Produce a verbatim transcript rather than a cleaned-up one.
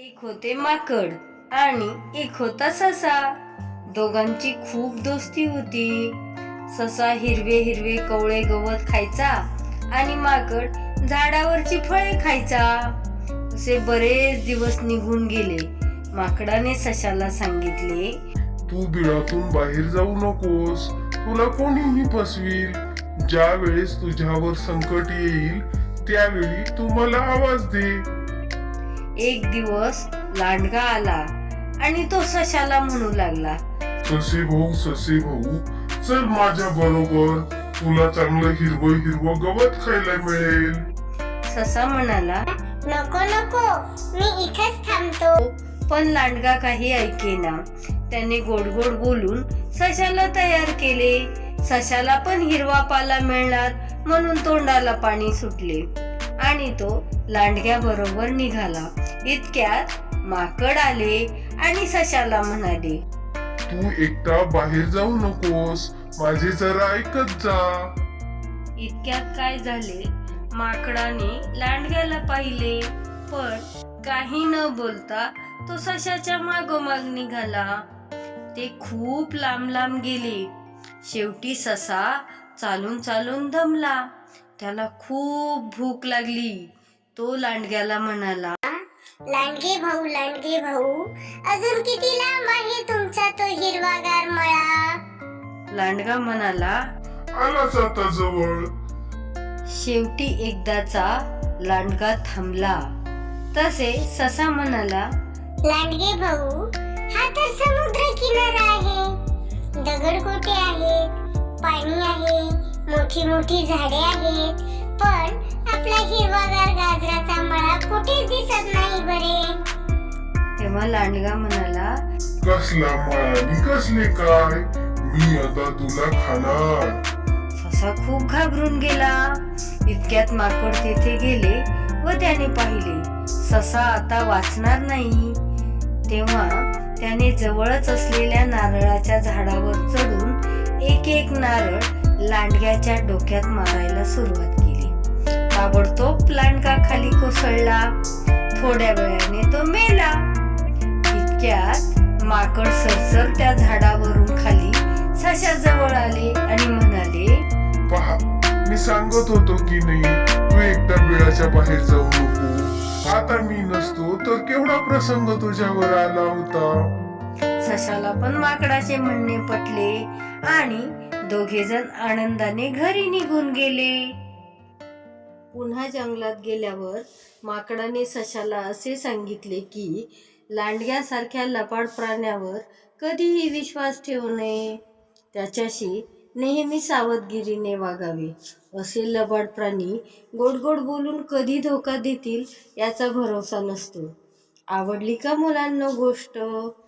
एक होते माकड आणि एक होता ससा. दोघांची खूप दोस्ती होती. ससा हिरवे हिरवे कवळे गवत खायचा आणि माकड झाडावरची फळे खायचा. असे बरेच दिवस निघून गेले. माकडाने सशाला सांगितले, तू बिळातून बाहेर जाऊ नकोस, तुला कोणीही फसवील. ज्या वेळेस तुझ्यावर संकट येईल त्यावेळी तू मला आवाज दे. एक दिवस लांडगा आला आणि तो सशाला म्हणू लागला, ससे भाऊ ससे भाऊ चल माझ्या बरोबर, तुला चांगलं हिरवं हिरवं गवत खायला मिळेल. ससा म्हणाला, नको नको, मी इथेच थांबतो. पण लांडगा काही ऐकेना. त्याने गोड गोड बोलून सशाला तयार केले. सशाला पण हिरवा पाला मिळणार म्हणून तोंडाला पाणी सुटले आणि तो लांडग्या बरोबर निघाला. इतक्यात माकड आले आणि सशाला म्हणाले, तू एकटा बाहेर जाऊ नकोस, माझे जरा ऐकत जा. इतक्यात काय झाले, माकडाने लांडग्याला पाहिले पण काही न बोलता तो सशाच्या मागोमाग निघाला. ते खूप लांब लांब गेले. शेवटी ससा चालून चालून दमला. त्याला खूप भूक लागली. तो लांडग्याला म्हणाला, लांडगे भाऊ लांडगे भाऊ, अजून किती लांब आहे तुमचा तो हिरवागार मळा? लांडगा म्हणाला, आलाच आता जवळ. शेवटी एकदाचा लांडगा थांबला. तसे ससा म्हणाला, लांडगे भाऊ, हा तर समुद्र किनारा आहे. दगडगोटे आहेत, पाणी आहे, मोठी मोठी झाडे आहेत, पण आपला हिरवागार गाजराचा मळा कुठेच दिसत नाही बरे. तेव्हा लांडगा म्हणाला, कसला माळानी कसले काय, मी आता तुला खाणार. ससा खूप घाबरून गेला. इतक्यात माकड तेथे गेले व त्याने पाहिले ससा आता वाचणार नाही. तेव्हा त्याने जवळच असलेल्या नारळाच्या झाडावर चढून एक एक नारळ लांडग्याच्या डोक्यात मारायला सुरुवात केली. ताबडतोब लांडगा खाली कोसळला. थोड्या वेळाने तो मेला. इतक्यात माकड सरसर त्या झाडावरून खाली सशाजवळ आले आणि म्हणाले, पहा, मी सांगत होतो की नाही, तू एकटा बिळाच्या बाहेर जाऊ नको. आता मी नसतो तर केवढा प्रसंग तुझ्यावर आला होता. सशाला पण माकडाचे म्हणणे पटले आणि दोघेजण आनंदाने घरी निघून गेले. पुन्हा जंगलात गेल्यावर माकडाने सशाला असे सांगितले की लांडग्यासारख्या लबाड प्राण्यावर कधीही विश्वास ठेवू नये. त्याच्याशी नेहमी सावधगिरीने वागावे. असे लबाड प्राणी गोड गोड बोलून कधी धोका देतील याचा भरोसा नसतो. आवडली का मुलांनो गोष्ट?